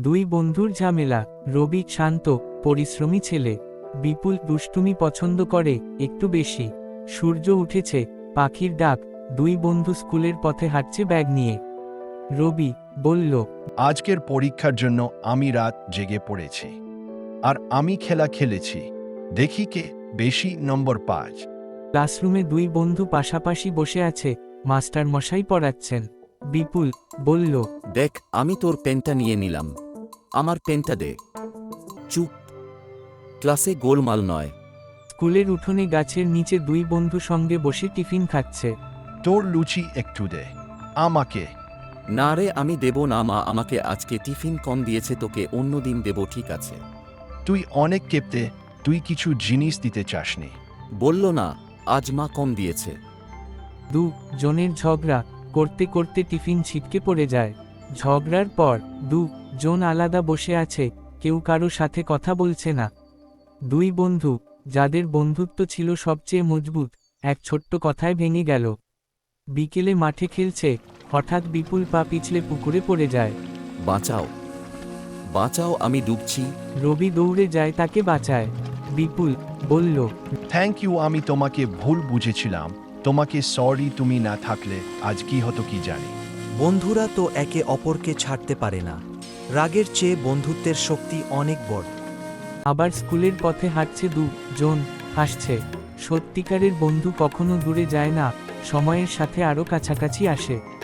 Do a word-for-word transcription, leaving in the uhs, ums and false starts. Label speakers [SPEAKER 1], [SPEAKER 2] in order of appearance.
[SPEAKER 1] দুই বন্ধুর ঝামেলা। রবি শান্ত, পরিশ্রমী ছেলে। বিপুল দুষ্টুমি পছন্দ করে একটু বেশি। সূর্য উঠেছে, পাখির ডাক। দুই বন্ধু স্কুলের পথে হাঁটছে ব্যাগ নিয়ে। রবি বলল,
[SPEAKER 2] আজকের পরীক্ষার জন্য আমি রাত জেগে পড়েছি, আর আমি খেলা খেলেছি। দেখি কে বেশি নম্বর পাঁচ।
[SPEAKER 1] ক্লাসরুমে দুই বন্ধু পাশাপাশি বসে আছে, মাস্টার মশাই পড়াচ্ছেন। বিপুল বলল,
[SPEAKER 3] দেখ, আমি তোর পেনটা নিয়ে নিলাম। আমার পেনটা দে। চুপ, ক্লাসে গোলমাল নয়।
[SPEAKER 1] স্কুলের উঠোনে গাছের নিচে দুই বন্ধু সঙ্গে বসে টিফিন খাচ্ছে।
[SPEAKER 2] তোর লুচি একটু দে আমাকে।
[SPEAKER 3] না রে, আমি দেব না। মা আমাকে আজকে টিফিন কম দিয়েছে, তোকে অন্য দিন দেব, ঠিক আছে?
[SPEAKER 2] তুই অনেক কেপ্তে, তুই কিছু জিনিস দিতে চাসনি।
[SPEAKER 3] বলল না, আজ মা কম দিয়েছে।
[SPEAKER 1] দু জনের ঝগড়া করতে করতে টিফিন ছিটকে পড়ে যায়। ঝগড়ার পর দু জন আলাদা বসে আছে, কেউ কারো সাথে কথা বলছে না। দুই বন্ধু, যাদের বন্ধুত্ব ছিল সবচেয়ে মজবুত, এক ছোট্ট কথায় ভেঙে গেল। বিকেলে মাঠে খেলছে, হঠাৎ বিপুল পা পিছলে পুকুরে পড়ে যায়।
[SPEAKER 3] বাঁচাও, বাঁচাও, আমি ডুবছি।
[SPEAKER 1] রবি দৌড়ে যায় তাকে বাঁচায়। বিপুল বলল,
[SPEAKER 2] থ্যাংক ইউ, আমি তোমাকে ভুল বুঝেছিলাম। তোমাকে সরি, তুমি না থাকলে আজ কি হতো কি জানি।
[SPEAKER 4] বন্ধুরা তো একে অপরকে ছাড়তে পারে না। রাগের চেয়ে বন্ধুত্বের শক্তি অনেক বড়।
[SPEAKER 1] আবার স্কুলের পথে হাঁটছে দু জন, হাসছে। সত্যিকারের বন্ধু কখনো দূরে যায় না, সময়ের সাথে আরও কাছাকাছি আসে।